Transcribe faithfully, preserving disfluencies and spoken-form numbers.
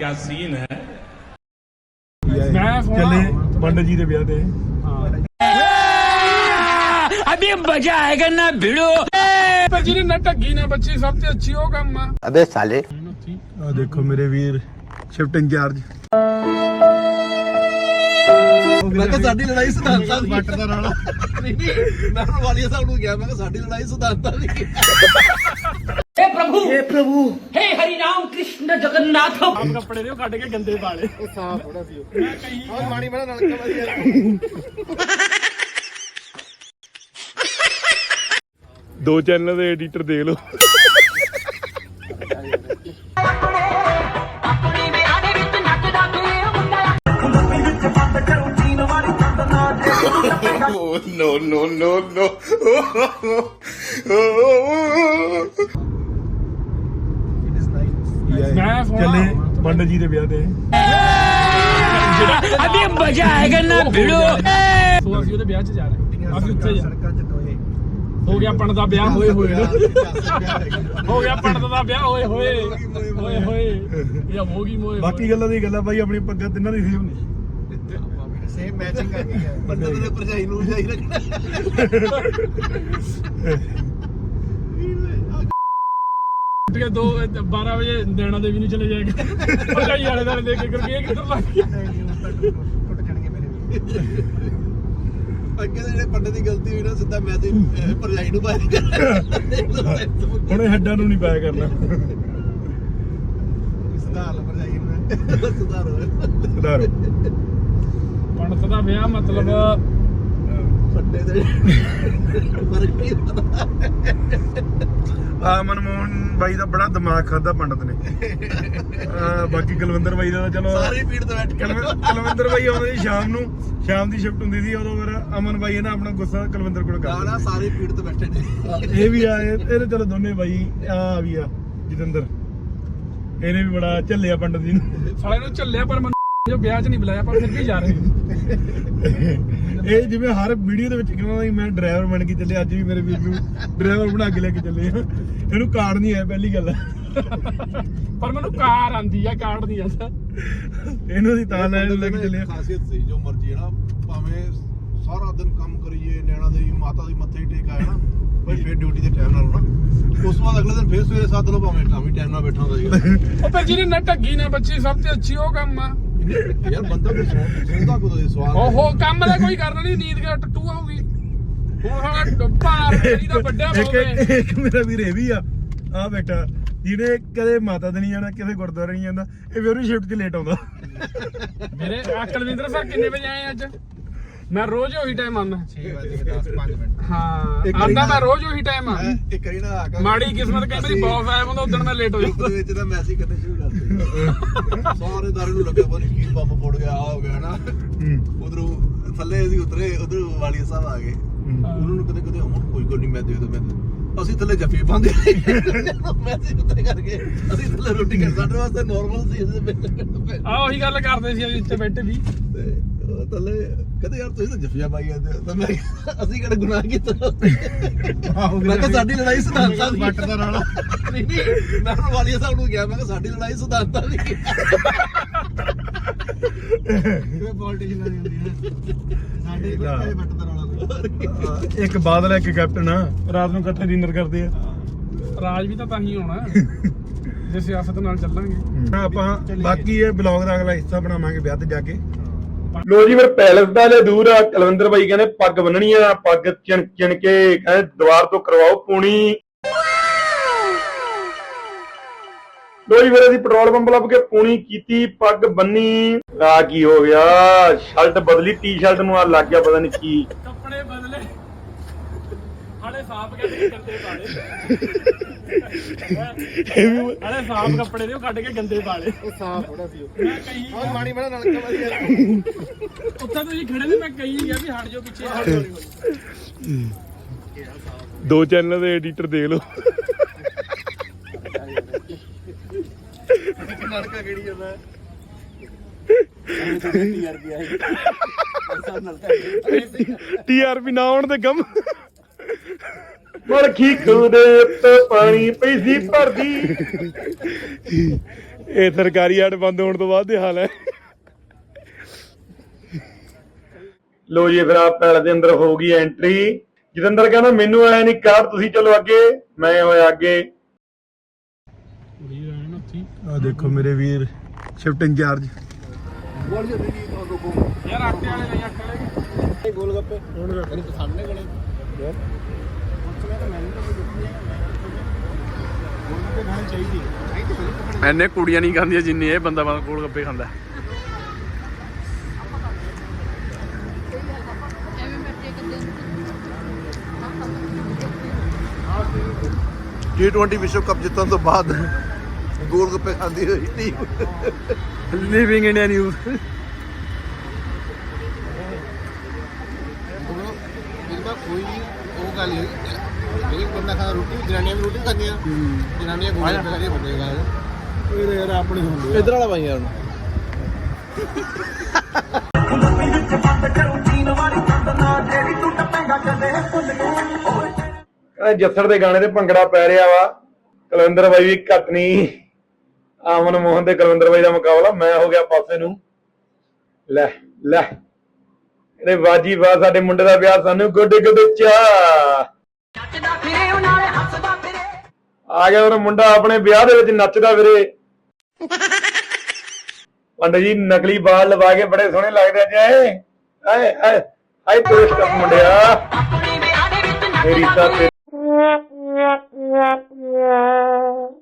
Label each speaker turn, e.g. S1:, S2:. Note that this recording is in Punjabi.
S1: क्या सीन है।
S2: चले पंडित जी के ब्याह ते
S3: अभी मजा आएगा ना भिड़ो
S4: पर जी ने ढगी ना बच्ची सबसे अच्छी हो काम आ
S5: अबे साले
S2: आ देखो मेरे वीर शिफ्ट इंचार्ज
S6: मैं कहा साडी लड़ाई सिद्धांतां दी ਵੱਟ ਦਾ ਰਾਣਾ ਨਹੀਂ ਨਹੀਂ ਮੈਂ ਹੁਣ ਵਾਲੀਆ ਸਾਹਿਬ ਨੂੰ ਕਿਹਾ ਮੈਂ ਕਿਹਾ ਸਾਡੀ ਲੜਾਈ ਸਿद्धांतां ਦੀ
S3: हे प्रभु हे प्रभु हे हरि राम कृष्ण जगन्नाथ
S4: ਆਪ ਕੱਪੜੇ ਦੇ ਕੱਢ ਕੇ ਗੰਦੇ ਪਾਲੇ
S6: ਉਹ ਸਾਫ ਥੋੜਾ ਸੀ ਮੈਂ ਕਹੀ ਉਹ ਮਾਣੀ ਬਣਾ ਨਲਕਾ ਵਧੀਆ
S2: ਦੋ ਚੈਨਲ ਦੇ ਐਡੀਟਰ ਦੇਖ ਲਓ
S5: no no no no
S4: ਮੈਂ
S2: चले पंडित जी के ब्याह ते
S3: अभी मजा आएगा ना भिड़ो
S4: ਸੋ ਅਸੀਂ ਉਹਦੇ ਵਿਆਹ 'ਚ ਜਾ ਰਹੇ ਹਾਂ ਅਸੀਂ ਉੱਥੇ ਜਾ
S6: ਸੜਕਾਂ 'ਚ ਦੋਏ
S4: ਹੋ ਗਿਆ ਪੰਡਤ ਦਾ ਵਿਆਹ ਹੋਏ ਹੋਏ ਹੋ ਗਿਆ ਪੰਡਤ ਦਾ ਵਿਆਹ ਹੋਏ ਹੋਏ ਹੋਏ ਹੋਏ ਇਹ ਹੋ ਗਈ ਮੋਏ
S2: ਬਾਕੀ ਗੱਲਾਂ ਦੀ ਗੱਲਾਂ ਬਾਈ ਆਪਣੀ ਪੱਗਾਂ ਤਿੰਨਾਂ ਦੀ ਸੇਮ ਨੇ
S6: ਸੇਮ ਮੈਚਿੰਗ ਕਰ ਗਈ ਹੈ ਬੰਦੇ ਦੇ ਭਰਜਾਈ ਨੂੰ ਜਾਈ ਰੱਖਣਾ
S4: ਕੇ ਦੋ ਬਾਰਾਂ ਵਜੇ ਨੈਣਾ ਦੇਵੀ ਨੂੰ ਚਲੇ ਜਾਏਗਾ ਭਰਜਾਈ ਵਾਲੇ ਦਾ ਦੇਖ ਕੇ ਕਰਕੇ ਇਹ ਕਿੱਧਰ ਲੱਗ ਗਿਆ
S6: ਟੁੱਟ ਜਾਣਗੇ ਮੇਰੇ ਵੀ ਅੱਗੇ ਦੇ ਜਿਹੜੇ ਪੰਡਤ ਦੀ ਗਲਤੀ ਹੋਈ ਨਾ ਸਿੱਧਾ ਮੈਂ ਤੇ ਭਰਜਾਈ ਨੂੰ ਪਾਇਆ
S2: ਹੁਣ ਇਹ ਹੱਡਾਂ ਨੂੰ ਨਹੀਂ ਪਾਇਆ ਕਰਨਾ
S6: ਸੁਧਾਰ ਲ ਭਰਜਾਈ ਨੂੰ ਸੁਧਾਰ
S2: ਸੁਧਾਰੋ
S4: ਪੰਡਤ ਦਾ ਵਿਆਹ ਮਤਲਬ
S6: ਫੱਟੇ ਦੇ ਫਰਕ ਨਹੀਂ ਪਤਾ
S2: ਆ ਮਨਮੋਹਨ ਬਾਈ ਦਾ ਬੜਾ ਦਿਮਾਗ ਖਾਦਾ ਪੰਡਤ ਨੇ ਆ ਬਾਕੀ ਕੁਲਵਿੰਦਰ ਬਾਈ ਦਾ ਚਲੋ
S6: ਸਾਰੀ ਭੀੜ ਤੇ ਬੈਠ ਕੇ
S2: ਕੁਲਵਿੰਦਰ ਬਾਈ ਆਉਂਦੇ ਸੀ ਸ਼ਾਮ ਨੂੰ ਸ਼ਾਮ ਦੀ ਸ਼ਿਫਟ ਹੁੰਦੀ ਸੀ ਉਦੋਂ ਫਿਰ ਅਮਨ ਬਾਈ ਨੇ ਆਪਣਾ ਗੁੱਸਾ ਕੁਲਵਿੰਦਰ ਕੋਲ ਕਰ
S6: ਗਾਣਾ ਸਾਰੀ ਭੀੜ ਤੇ ਬੈਠੇ ਨੇ
S2: ਇਹ ਵੀ ਆ ਇਹ ਇਹ ਚਲੋ ਦੋਨੇ ਬਾਈ ਆ ਵੀ ਆ ਜਤਿੰਦਰ ਇਹਨੇ ਵੀ ਬੜਾ ਝੱਲਿਆ ਪੰਡਤ ਜੀ ਨੂੰ
S4: ਸਾਲੇ ਨੂੰ ਝੱਲਿਆ ਪਰ ਮੈਨੂੰ ਜੋ ਵਿਆਹ 'ਚ ਨਹੀਂ ਬੁਲਾਇਆ ਪਰ ਫਿਰ ਵੀ ਜਾ ਰਹੇ
S2: ਇਹ ਜਿਵੇਂ ਹਰ ਵੀਡੀਓ ਦੇ ਵਿੱਚ ਕਹਿੰਦਾ ਮੈਂ ਡਰਾਈਵਰ ਬਣ ਕੇ ਚੱਲੇ ਅੱਜ ਵੀ ਮੇਰੇ ਵੀਰ ਨੂੰ ਡਰਾਈਵਰ ਬਣਾ ਕੇ ਲੈ ਕੇ ਚੱਲੇ ਆ ਇਹਨੂੰ ਕਾਰ ਨਹੀਂ ਆਇਆ ਪਹਿਲੀ ਗੱਲ
S4: ਪਰ ਮੈਨੂੰ ਕਾਰ ਆਂਦੀ ਆ ਕਾਰ ਨਹੀਂ ਆਂਦਾ
S2: ਇਹਨੂੰ ਅਸੀਂ ਤਾਂ ਲੈ ਲੈ ਕੇ ਚੱਲੇ ਆ
S6: ਖਾਸੀਅਤ ਸੀ ਜੋ ਮਰਜੀ ਹੈ ਨਾ ਭਾਵੇਂ ਸਾਰਾ ਦਿਨ ਕੰਮ ਕਰੀਏ ਨੈਣਾ ਦੇਵੀ ਮਾਤਾ ਦੀ ਮੱਥੇ ਟੇਕ ਆਇਆ ਨਾ ਭਾਈ ਫੇਰ ਡਿਊਟੀ ਦੇ ਟਾਈਮ ਨਾਲ ਹੋਣਾ ਉਸ ਤੋਂ ਬਾਅਦ ਅਗਲੇ ਦਿਨ ਫੇਰ ਸਵੇਰੇ ਸੱਤ ਲੋ ਭਾਵੇਂ ਤਾਂ ਵੀ ਟਾਈਮ ਨਾਲ ਬੈਠਾ ਹੁੰਦਾ ਸੀਗਾ
S4: ਉਹ ਪਰ ਜਿਹਨੇ ਨਾ ਢੱਗੀ ਨਾ ਬੱਚੀ ਸਭ ਤੋਂ ਅੱਛੀ ਉਹ ਕੰਮ ਆ
S6: ਯਾਰ ਬੰਦਾ ਕੋਈ ਸੁਣਦਾ ਕੋਈ ਸਵਾਲ
S4: ਓਹੋ ਕੰਮ ਦਾ ਕੋਈ ਕਰਨਾ ਨਹੀਂ ਨੀਂਦ ਦਾ ਟੱਟੂ ਆਊਗੀ ਹੁਣ ਸਾਡਾ ਭਾਰ ਜਿਹੜੀ ਦਾ ਵੱਡਾ
S2: ਇੱਕ
S4: ਹੋਵੇ
S2: ਇੱਕ ਮੇਰਾ ਵੀਰ ਇਹ ਵੀ ਆ ਆ ਬੈਠਾ ਜਿਹਨੇ ਕਦੇ ਮਾਤਾ ਦੇ ਨਹੀਂ ਜਾਣਾ ਕਿਸੇ ਗੁਰਦੁਆਰੇ ਨਹੀਂ ਜਾਂਦਾ ਇਹ ਵੀ ਉਹਦੀ ਸ਼ਿਫਟ 'ਚ ਲੇਟ ਆਉਂਦਾ
S4: ਮੇਰੇ ਕੁਲਵਿੰਦਰ ਸਰ ਕਿੰਨੇ ਵਜੇ ਆਏ ਅੱਜ ਮੈਂ ਰੋਜ਼ ਉਹੀ ਟਾਈਮ ਆਉਂਦਾ
S6: ਛੇ ਵਜੇ ਦਸ ਪੰਜ ਮਿੰਟ
S4: ਹਾਂ
S6: ਇੱਕ ਵਾਰੀ
S4: ਆਂਦਾ
S6: ਨਾ-
S4: ਮੈਂ ਰੋਜ਼ ਉਹੀ ਟਾਈਮ ਆ
S6: ਇੱਕ ਵਾਰੀ ਨਾ ਆ ਕੇ
S4: ਮਾੜੀ ਕਿਸਮਤ ਕਈ ਵਾਰੀ ਬੌਸ ਆਇਆ ਹੁੰਦਾ ਉਦੋਂ ਮੈਂ ਲੇਟ ਹੋ
S6: ਗਰੁੱਪ
S4: ਜਾਂਦਾ
S6: ਦੇ ਵਿੱਚ ਤਾਂ ਮੈਸੇਜ ਕਰਨੇ ਸ਼ੁਰੂ ਕਰਤੇ ਸਾਰੇ ਦਾਰੇ ਨੂੰ ਲੱਗਿਆ ਪਤਾ ਕੀ ਬੰਬ ਫੁੱਟ ਗਿਆ ਆ ਹੋ ਗਿਆ ਨਾ ਉਧਰੋਂ ਥੱਲੇ ਅਸੀਂ ਉਤਰੇ ਉਧਰ ਵਾਲੀਆ ਸਾਹਿਬ ਆ ਗਏ ਉਹਨਾਂ ਨੂੰ ਕਦੇ ਕਦੇ ਹੁਣ ਕੋਈ ਗੱਲ ਨਹੀਂ ਮੈਂ ਦੇ ਦੋ ਮੈਂ ਅਸੀਂ ਥੱਲੇ ਜੱਫੀ ਪਾਉਂਦੇ ਮੈਸੇਜ ਉੱਤੇ ਕਰਕੇ ਅਸੀਂ ਥੱਲੇ ਰੋਟੀ ਕਰ ਸਾਡੇ ਵਾਸਤੇ ਨਾਰਮਲ ਸੀ ਅਸੀਂ
S4: ਆ ਉਹੀ ਗੱਲ ਕਰਦੇ ਸੀ ਅਸੀਂ ਇੱਥੇ ਬੈਠੇ ਵੀ
S6: ਤੇ ਉਹ ਥੱਲੇ ਕਹਿੰਦੇ ਯਾਰ ਤੁਸੀਂ ਤਾਂ ਜੱਫੀਆਂ ਪਾਈ ਜਾਂਦੇ ਹੋ ਤਾਂ ਮੈਂ ਕਿਹਾ, ਅਸੀਂ ਕਿਹੜਾ ਗੁਨਾਹ ਕੀਤਾ ਮੈਂ ਕਿਹਾ ਸਾਡੀ ਲੜਾਈ ਸਿਧਾਂਤਾਂ ਦੀ ਵੱਟ ਦਾ ਰਾਣਾ ਨਹੀਂ ਨਹੀਂ ਮੈਂ ਹੁਣ ਵਾਲੀਆ ਸਾਹਿਬ ਨੂੰ ਕਿਹਾ ਮੈਂ ਕਿਹਾ ਸਾਡੀ ਲੜਾਈ ਸਿਧਾਂਤਾਂ ਦੀ ਕਿਵੇਂ ਪੋਲਿਟਿਸ਼ਨਾਂ ਦੀ ਹੁੰਦੀ ਹੈ ਸਾਡੇ ਕੋਲ ਵੱਟ ਦਾ ਰਾਣਾ
S2: ਇੱਕ ਬਾਦਲ ਇੱਕ ਕੈਪਟਨ ਆ ਰਾਤ ਨੂੰ ਇਕੱਠੇ ਡਿਨਰ ਕਰਦੇ ਆ
S4: ਰਾਜ ਵੀ ਤਾਂ ਤਾਂ ਹੀ ਹੋਣਾ ਜੇ ਸਿਆਸਤ ਨਾਲ ਚੱਲਾਂਗੇ
S2: ਆਪਾਂ ਬਾਕੀ ਇਹ ਬਲੌਗ ਦਾ ਅਗਲਾ ਹਿੱਸਾ ਬਣਾਵਾਂਗੇ ਵਿਆਹ ਤੇ ਜਾ ਕੇ ਲੋ ਜੀ ਫਿਰ ਪੈਲਸ ਦਾ ਲੈ ਦੂਰ ਆ ਕੁਲਵਿੰਦਰ ਬਾਈ ਕਹਿੰਦੇ ਪੱਗ ਬੰਨਣੀ ਆ ਪੱਗ ਚਿਣ ਚਿਣ ਕੇ ਕਹਿੰਦੇ ਦੀਵਾਰ ਤੋਂ ਕਰਵਾਓ ਪੂਣੀ ਲੋ ਜੀ ਫਿਰ ਅਸੀਂ ਪੈਟਰੋਲ ਪੰਪ ਲੱਭ ਕੇ ਪੂਣੀ ਕੀਤੀ ਪੱਗ ਬੰਨੀ ਆ ਕੀ ਹੋ ਗਿਆ ਸ਼ਰਟ ਬਦਲੀ ਟੀ-ਸ਼ਰਟ ਨੂੰ ਆ ਲੱਗ ਗਿਆ ਪਤਾ ਨਹੀਂ ਕੀ
S4: ਕੱਪੜੇ ਬਦਲੇ ਹਾਲੇ ਸਾਫ ਕਰਕੇ ਗੰਦੇ ਪਾਲੇ ਹਾਲੇ ਸਾਫ ਕੱਪੜੇ ਦੇ ਉਹ ਕੱਢ ਕੇ ਗੰਦੇ ਪਾਲੇ
S6: ਉਹ ਸਾਫ ਥੋੜਾ ਸੀ
S4: ਮੈਂ ਕਹੀ
S6: ਉਹ ਮਾਣੀ ਬਣਾ ਨਲਕਾ ਵਧੀਆ
S4: ਉੱਥੇ ਤੁਸੀਂ ਖੜੇ ਨੇ ਮੈਂ ਕਹੀ ਗਿਆ ਵੀ ਹਟ ਜਾਓ ਪਿੱਛੇ ਹਟ ਜਾਓ
S2: ਦੋ ਚੈਨਲ ਦੇ ਐਡੀਟਰ ਦੇਖ ਲਓ
S6: ਨਲਕਾ ਕਿਹੜੀ ਜਾਂਦਾ
S2: ਟੀਆਰਪੀ ਨਾ ਆਉਣ ਦੇ ਗਮ ਮਲਖੀ ਖੂਦੇ ਉੱਤੇ ਪਾਣੀ ਪਈ ਸੀ ਭਰਦੀ ਇਹ ਸਰਕਾਰੀ ਆੜ ਬੰਦ ਹੋਣ ਤੋਂ ਬਾਅਦ ਦੇ ਹਾਲ ਹੈ। ਲੋ ਜੀ ਫਿਰ ਆ ਪੈਲ ਦੇ ਅੰਦਰ ਹੋ ਗਈ ਐਂਟਰੀ। ਜਤਿੰਦਰ ਕਹਿੰਦਾ ਮੈਨੂੰ ਆਇਆ ਨਹੀਂ ਕਾਰ, ਤੁਸੀਂ ਚਲੋ ਅੱਗੇ, ਮੈਂ ਹੋਇਆ ਅੱਗੇ। ਆ ਦੇਖੋ ਮੇਰੇ ਵੀਰ ਸ਼ਿਫਟ ਇੰਚਾਰਜ।
S4: ਯਾਰ ਆਟੇ ਵਾਲੇ ਨਹੀਂ ਆਟੇ ਵਾਲੇ
S6: ਗੋਲ ਗੱਪੇ ਮੈਨੂੰ ਪਸੰਦ ਨੇ ਬੜੇ
S4: ਐਨੇ ਕੁੜੀਆਂ ਨਹੀਂ ਖਾਂਦੀਆਂ ਜਿੰਨੀ ਇਹ ਬੰਦਾ ਬੰਦਾ ਗੋਲ ਗੱਪੇ ਖਾਂਦਾ।
S6: ਟੀ ਟਵੈਂਟੀ ਵਿਸ਼ਵ ਕੱਪ ਜਿੱਤਣ ਤੋਂ ਬਾਅਦ ਗੋਲ ਗੱਪੇ ਖਾਂਦੀ ਹੋਈ ਟੀਮ
S4: ਲਿਵਿੰਗ ਇੰਡੀਆ ਨਿਊਜ਼।
S6: ਇਹਦਾ ਕੋਈ ਉਹ ਗੱਲ ਨਹੀਂ, ਇੱਕ ਬੰਦਾ ਖਾਣਾ ਰੋਟੀ, ਜਨਾਨੀਆਂ ਵੀ ਰੋਟੀ ਖਾਂਦੀਆਂ, ਜਨਾਨੀਆਂ ਗੋਲ ਗੱਪੇ ਖਾਂਦੀਆਂ, ਬੰਦੇ ਖਾਂਦੇ। ਇਹ ਯਾਰ ਆਪਣੀ ਹੁੰਦੀ ਇਧਰ ਵਾਲਾ ਭਾਈ ਯਾਰ
S2: ਜੱਸੜ ਦੇ ਗਾਣੇ ਤੇ ਭੰਗੜਾ ਪੈ ਰਿਹਾ ਵਾ। ਕੁਲਵਿੰਦਰ ਬਾਈ ਵੀ ਘੱਟ ਨਹੀਂ, ਆਮਨ ਮੋਹਨ ਤੇ ਕੁਲਵਿੰਦਰ ਬਾਈ ਦਾ ਮੁਕਾਬਲਾ। ਮੈਂ ਹੋ ਗਿਆ ਪਾਸੇ ਨੂੰ। ਲੈ ਲੈ ਇਹਦੇ ਬਾਜੀ ਬਾ ਸਾਡੇ ਮੁੰਡੇ ਦਾ ਵਿਆਹ ਸਾਨੂੰ ਗੋਡੇ ਗੋਡੇ ਚਾ ਆ ਗਿਆ। ਉਹ ਮੁੰਡਾ ਆਪਣੇ ਵਿਆਹ ਦੇ ਵਿੱਚ ਨੱਚਦਾ ਵੀਰੇ। ਪੰਡਤ ਜੀ ਨਕਲੀ ਬਾਲ ਲਵਾ ਕੇ ਬੜੇ ਸੋਹਣੇ ਲੱਗਦੇ ਅੱਜ। ਆਏ ਆਏ ਆਏ ਆਏ ਟੂਰਿਸਟ ਮੁੰਡਿਆ ਮੇਰੀ ਤਾਂ